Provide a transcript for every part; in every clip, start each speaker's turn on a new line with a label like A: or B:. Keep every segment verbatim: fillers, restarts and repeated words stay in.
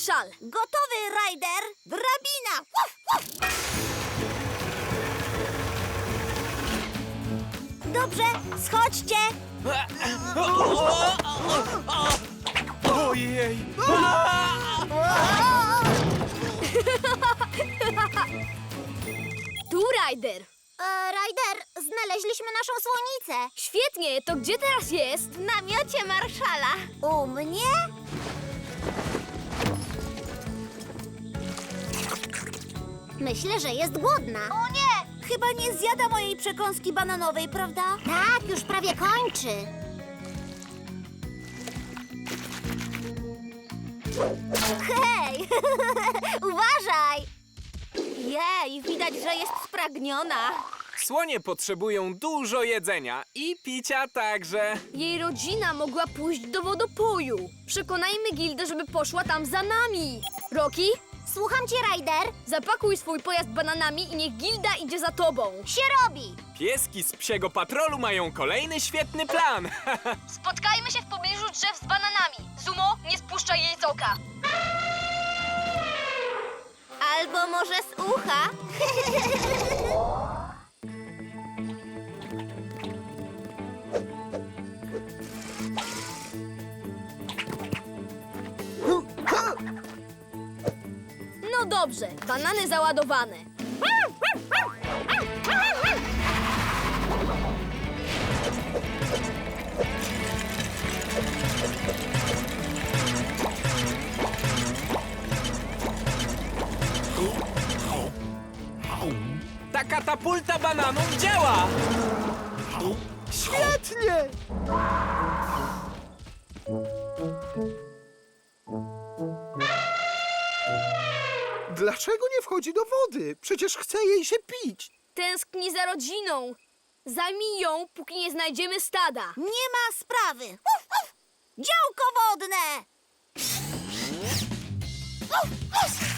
A: Marszal!
B: Gotowy, Ryder! Drabina! Uf, uf. Dobrze, schodźcie!
C: Ojej!
A: Tu, Ryder!
B: E, Ryder, znaleźliśmy naszą słonicę.
A: Świetnie, to gdzie teraz jest?
B: W namiocie Marszala. U mnie? Myślę, że jest głodna. O nie! Chyba nie zjada mojej przekąski bananowej, prawda? Tak, już prawie kończy. Hej! Uważaj! Jej, widać, że jest spragniona.
C: Słonie potrzebują dużo jedzenia i picia także.
A: Jej rodzina mogła pójść do wodopoju. Przekonajmy Gildę, żeby poszła tam za nami. Rocky,
B: Słucham cię, Ryder.
A: zapakuj swój pojazd bananami i niech Gilda idzie za tobą.
B: Się robi.
C: Pieski z psiego patrolu mają kolejny świetny plan.
A: Spotkajmy się w pobliżu drzew z bananami. Zumo, nie spuszczaj jej z oka.
B: Albo może z ucha.
A: No dobrze, banany załadowane.
C: Ta katapulta bananów działa!
D: Świetnie! Dlaczego nie wchodzi do wody? Przecież chce jej się pić.
A: Tęskni za rodziną. Zajmij ją, póki nie znajdziemy stada.
B: Nie ma sprawy. Uf, uf. Działko wodne. Uf, uf.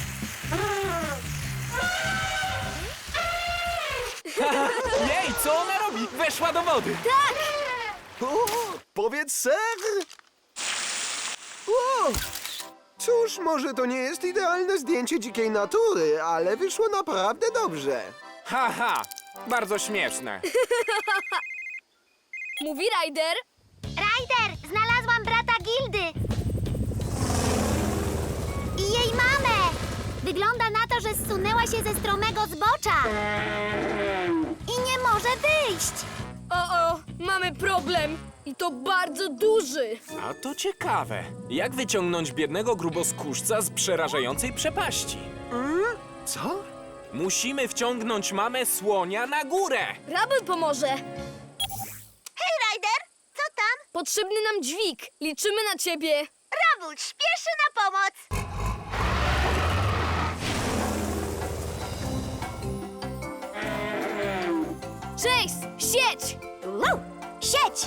C: Jej, co ona robi? Weszła do wody.
D: O, powiedz ser! O! Cóż, może to nie jest idealne zdjęcie dzikiej natury, ale wyszło naprawdę dobrze.
C: Haha, bardzo śmieszne.
A: Mówi Ryder.
B: Ryder, znalazłam brata Gildy. I jej mamę. Wygląda na to, że zsunęła się ze stromego zbocza. I nie może wyjść.
A: O, o, mamy problem. I to bardzo duży.
C: A to ciekawe. Jak wyciągnąć biednego gruboskórzca z przerażającej przepaści?
D: Co?
C: Musimy wciągnąć mamę słonia na górę.
A: Rabel pomoże.
B: Hej, Ryder, co tam?
A: Potrzebny nam dźwig. Liczymy na ciebie.
B: Rabul śpieszy na pomoc.
A: Chase, sieć!
B: Wow, sieć.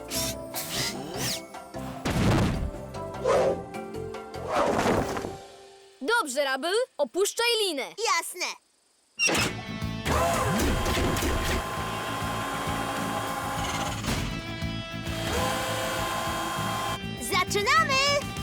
A: Dobrze, Rabel, opuszczaj linę.
B: Jasne. Zaczynamy!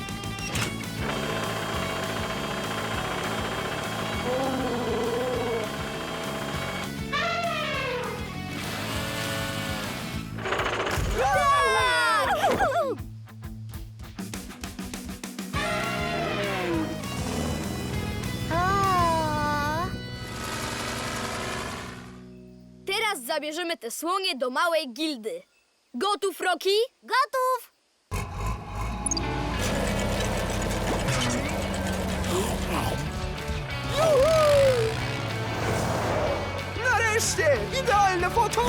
B: O!
A: Teraz zabierzemy te słonie do małej Gildy. Gotów, Rocky?
B: Gotów!
D: Nareszcie! Idealne foto!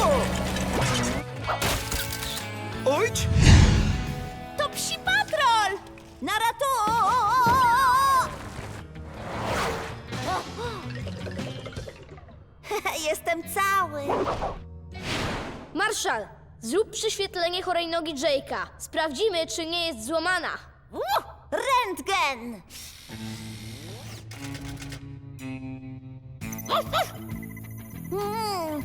D: Ojcz!
B: To psi patrol! Na ratu! Jestem cały.
A: Marszal, zrób przyświetlenie chorej nogi Jake'a. Sprawdzimy, czy nie jest złamana.
B: Uh, rentgen! Mm,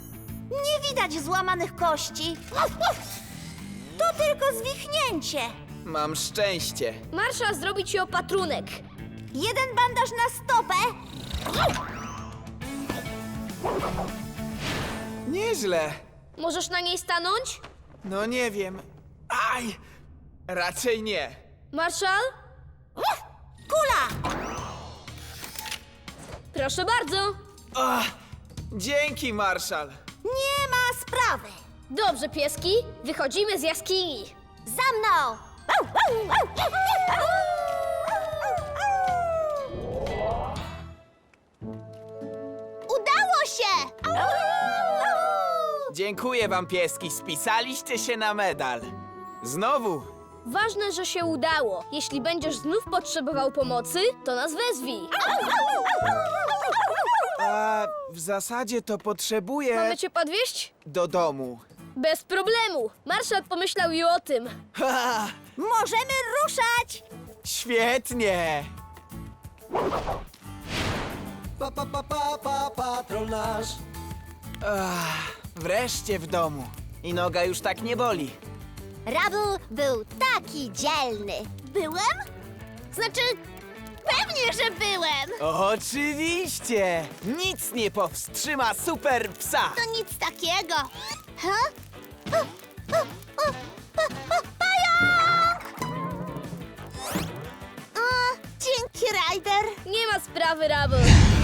B: nie widać złamanych kości. To tylko zwichnięcie.
E: Mam szczęście.
A: Marszal zrobi ci opatrunek.
B: Jeden bandaż na stopę.
E: Nieźle.
A: Możesz na niej stanąć?
E: No nie wiem. Aj! Raczej nie.
A: Marszal?
B: Kula!
A: Proszę bardzo.
E: Ach, dzięki, Marszal.
B: Nie ma sprawy.
A: Dobrze, pieski, wychodzimy z jaskini.
B: Za mną! Udało się!
E: Dziękuję wam, pieski. Spisaliście się na medal. Znowu.
A: Ważne, że się udało. Jeśli będziesz znów potrzebował pomocy, to nas wezwij.
E: A w zasadzie to potrzebuję
A: Mamy cię podwieźć?
E: do domu.
A: Bez problemu. Marszal pomyślał i o tym.
E: Ha!
B: Możemy ruszać!
E: Świetnie!
F: Pa, pa, pa, pa, pa, patrol nasz.
E: Ach, wreszcie w domu. I noga już tak nie boli.
B: Rubble był taki dzielny. Byłem? Znaczy, pewnie, że byłem.
E: Oczywiście! Nic nie powstrzyma super psa!
B: To nic takiego. Ha? O, o, o, o, o, pająk! O, dzięki, Ryder.
A: Nie ma sprawy, Rubble.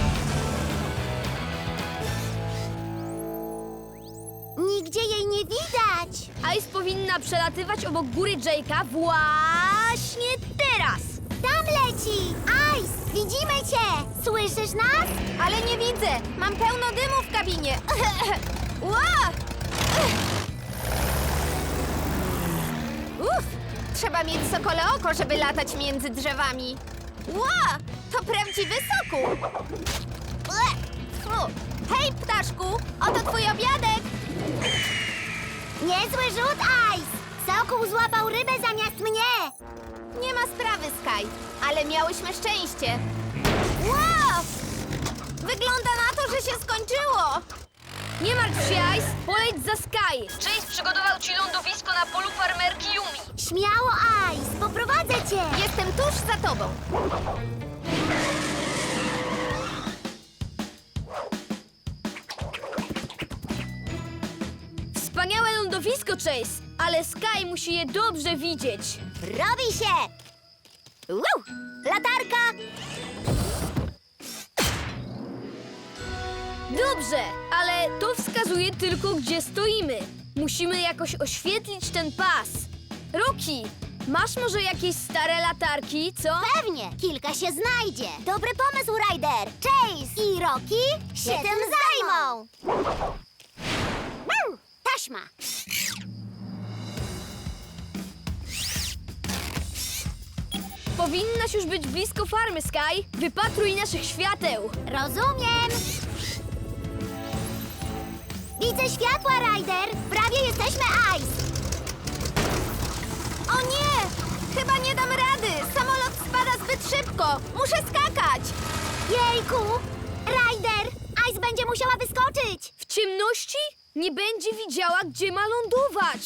B: Nigdzie jej nie widać.
A: Ice powinna przelatywać obok góry Jake'a właśnie teraz.
B: Tam leci! Ice, widzimy cię! Słyszysz nas? Ale nie widzę. Mam pełno dymu w kabinie. Ła! Uff, trzeba mieć sokole oko, żeby latać między drzewami. Ła! To prawdziwy sokół. Fu. Hej, ptaszku! Oto twój obiadek! Niezły rzut, Ice! Sokół złapał rybę zamiast mnie! Nie ma sprawy, Sky, ale miałyśmy szczęście. Wow! Wygląda na to, że się skończyło!
A: Nie martw się, Ice. Poleć za Sky. Chase przygotował ci lądowisko na polu farmerki Yumi.
B: Śmiało, Ice! Poprowadzę cię! Jestem tuż za tobą.
A: Wspaniałe lądowisko, Chase, ale Sky musi je dobrze widzieć.
B: Robi się! Wow! Latarka!
A: Dobrze, ale to wskazuje tylko, gdzie stoimy. Musimy jakoś oświetlić ten pas. Rocky, masz może jakieś stare latarki, co?
B: Pewnie, kilka się znajdzie. Dobry pomysł, Ryder. Chase i Rocky się tym zajmą. Wow, taśma.
A: Powinnaś już być blisko farmy, Sky. Wypatruj naszych świateł.
B: Rozumiem. Widzę światła, Ryder. Prawie jesteśmy, Ice. O nie! Chyba nie dam rady. Samolot spada zbyt szybko. Muszę skakać. Jejku! Ryder! Ice będzie musiała wyskoczyć.
A: W ciemności nie będzie widziała, gdzie ma lądować.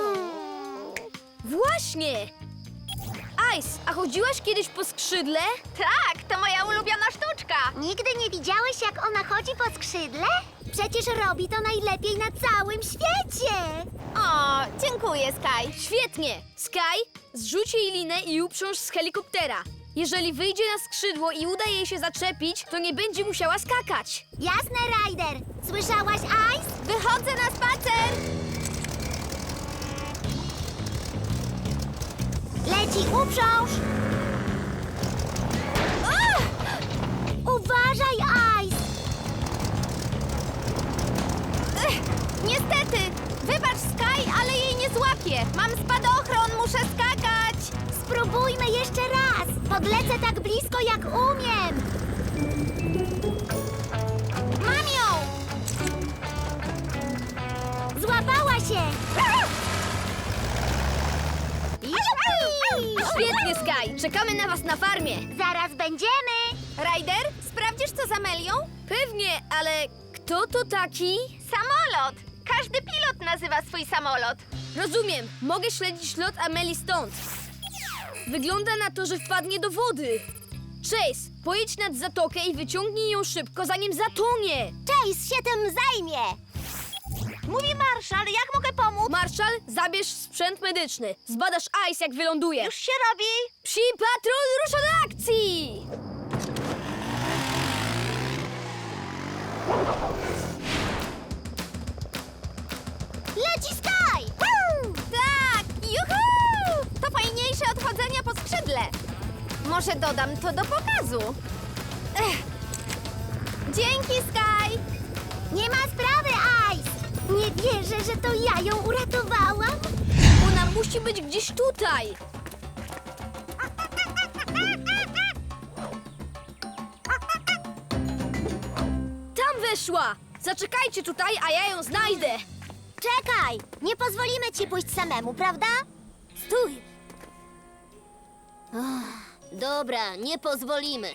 A: Właśnie! Ice, a chodziłaś kiedyś po skrzydle?
B: Tak, to moja ulubiona sztuczka. Nigdy nie widziałeś, jak ona chodzi po skrzydle? Przecież robi to najlepiej na całym świecie. O, dziękuję, Sky.
A: Świetnie! Sky, zrzuć jej linę i uprząż z helikoptera. Jeżeli wyjdzie na skrzydło i uda jej się zaczepić, to nie będzie musiała skakać.
B: Jasne, Ryder. Słyszałaś, Ice? Wychodzę na spacer. Leci, uprząż. O! Uważaj, Ice. Ech, niestety. Wybacz, Sky, ale jej nie złapię. Mam spadochron, muszę skakać. Spróbujmy jeszcze raz. Podlecę tak blisko, jak umiem. Mam ją! Złapała się! Jupi!
A: Świetnie, Sky! Czekamy na was na farmie.
B: Zaraz będziemy! Ryder, sprawdzisz, co z Amelią?
A: Pewnie, ale kto to taki?
B: Samolot! Każdy pilot nazywa swój samolot.
A: Rozumiem, mogę śledzić lot Ameli stąd. Wygląda na to, że wpadnie do wody. Chase, pojedź nad zatokę i wyciągnij ją szybko, zanim zatonie.
B: Chase się tym zajmie! Mówi Marszal, jak mogę pomóc?
A: Marszal, zabierz sprzęt medyczny. Zbadasz Ice, jak wyląduje.
B: Już się robi!
A: Psi patrol rusza do akcji!
B: Leci Sky! Woo! Tak! Juhu! To fajniejsze od chodzenia po skrzydle. Może dodam to do pokazu. Ech. Dzięki, Sky! Nie ma sprawy, Ice! Nie wierzę, że to ja ją uratowałam.
A: Ona musi być gdzieś tutaj. Tam weszła! Zaczekajcie tutaj, a ja ją znajdę.
B: Czekaj! Nie pozwolimy ci pójść samemu, prawda? Stój! Dobra, nie pozwolimy.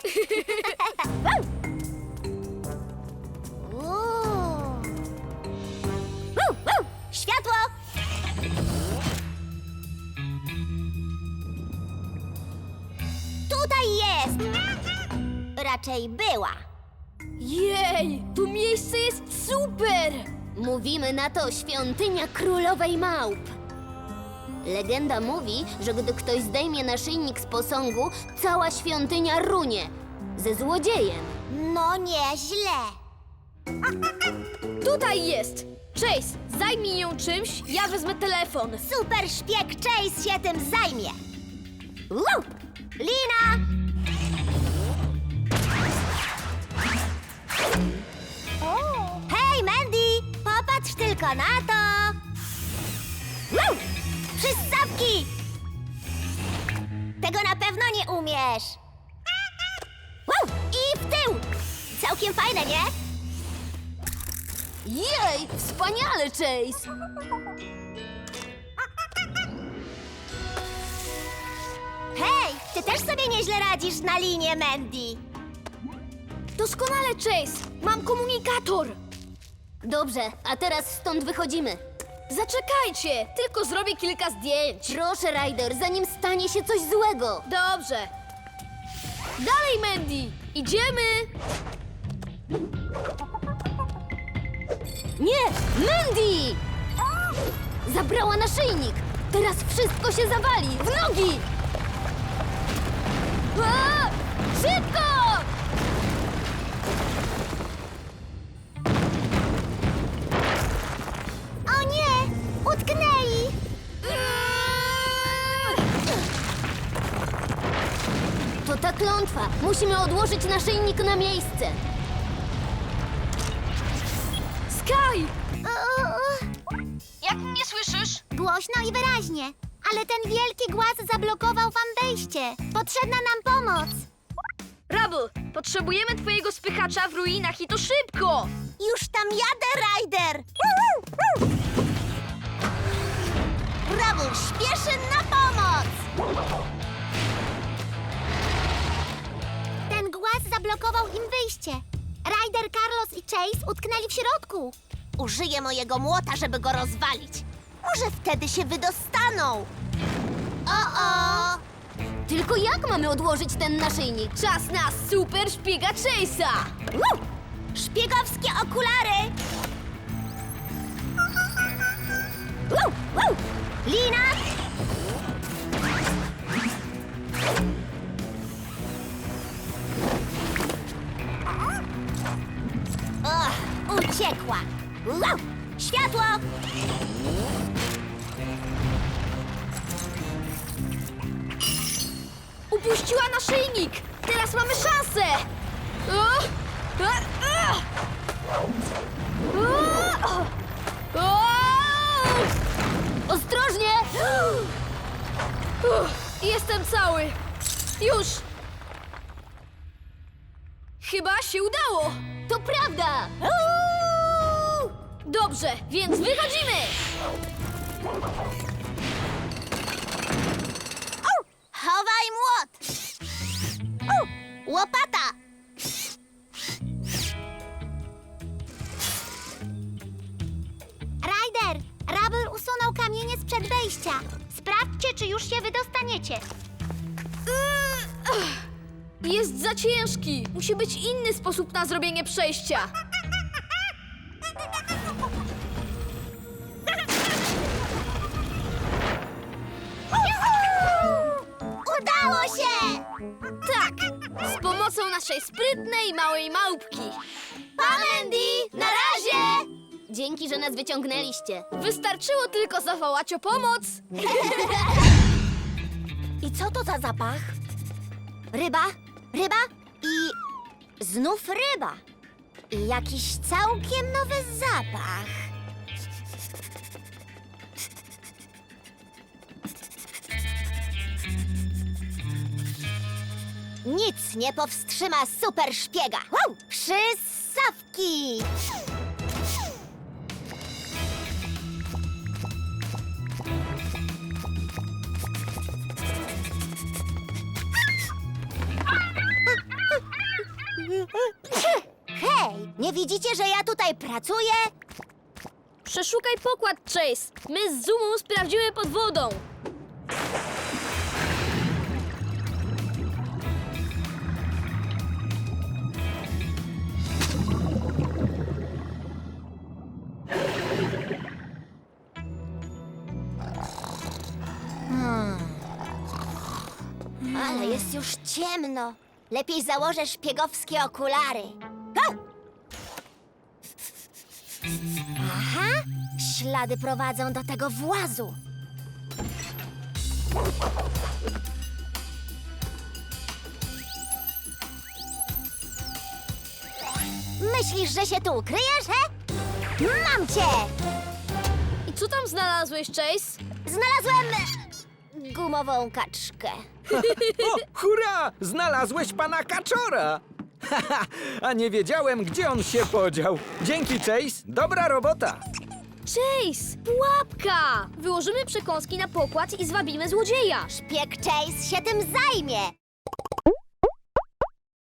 B: Światło! Tutaj jest! Raczej była.
A: Jej, to miejsce jest super!
B: Mówimy na to świątynia królowej małp. Legenda mówi, że gdy ktoś zdejmie naszyjnik z posągu, cała świątynia runie. Ze złodziejem. No nieźle.
A: Tutaj jest! Chase, zajmij ją czymś, ja wezmę telefon.
B: Super szpieg Chase się tym zajmie. Woo! Lina! Hej, Mandy! Popatrz tylko na to! Woo! Przystawki! Tego na pewno nie umiesz. Woo! I w tył! Całkiem fajne, nie?
A: Jej, wspaniale, Chase!
B: Hej, ty też sobie nieźle radzisz na linie, Mandy.
A: Doskonale, Chase! Mam komunikator!
B: Dobrze, a teraz stąd wychodzimy.
A: Zaczekajcie, tylko zrobię kilka zdjęć.
B: Proszę, Ryder, zanim stanie się coś złego.
A: Dobrze. Dalej, Mandy! Idziemy!
B: Nie, Mandy! Zabrała naszyjnik. Teraz wszystko się zawali. W nogi! A! Szybko! O nie! Utknęli! To ta klątwa. Musimy odłożyć naszyjnik na miejsce.
A: Sky! Jak mnie słyszysz?
B: Głośno i wyraźnie. Ale ten wielki głaz zablokował wam wejście. Potrzebna nam pomoc.
A: Rubble, potrzebujemy twojego spychacza w ruinach i to szybko!
B: Już tam jadę, Ryder! Rubble śpieszy na pomoc! Ten głaz zablokował im wyjście. Ryder, Carlos i Chase utknęli w środku. Użyję mojego młota, żeby go rozwalić. Może wtedy się wydostaną. O-o! Tylko jak mamy odłożyć ten naszyjnik?
A: Czas na super szpiega Chase'a!
B: Woo! Szpiegowskie okulary! Woo! Woo! Lina! Och, uciekła! Wow! Światło!
A: Upuściła naszyjnik! Teraz mamy szansę! O! A! A! O! O!
B: Ostrożnie!
A: Uff, jestem cały! Już! Chyba się udało!
B: To prawda!
A: Dobrze, więc wychodzimy!
B: Chowaj młot! U, łopata! Ryder, Rubble usunął kamienie sprzed wejścia. Sprawdźcie, czy czy już się wydostaniecie.
A: Jest za ciężki. Musi być inny sposób na zrobienie przejścia.
B: Udało się!
A: Tak, z pomocą naszej sprytnej małej małpki.
B: Pa, Mandy! Na razie! Dzięki, że nas wyciągnęliście.
A: Wystarczyło tylko zawołać o pomoc.
B: I co to za zapach? Ryba, ryba i znów ryba. I jakiś całkiem nowy zapach. Nic nie powstrzyma super szpiega. Wow! Przysawki! Hej, nie widzicie, że ja tutaj pracuję?
A: Przeszukaj pokład, Chase. My z Zumą sprawdzimy pod wodą.
B: Ale jest już ciemno. Lepiej założę szpiegowskie okulary. Go! Aha, ślady prowadzą do tego włazu. Myślisz, że się tu ukryjesz, he? Mam cię!
A: I co tam znalazłeś, Chase?
B: Znalazłem gumową kaczkę.
G: O, hurra! Znalazłeś pana Kaczora! Haha, a nie wiedziałem, gdzie on się podział. Dzięki, Chase. Dobra robota.
A: Chase, pułapka! Wyłożymy przekąski na pokład i zwabimy złodzieja.
B: Szpieg Chase się tym zajmie.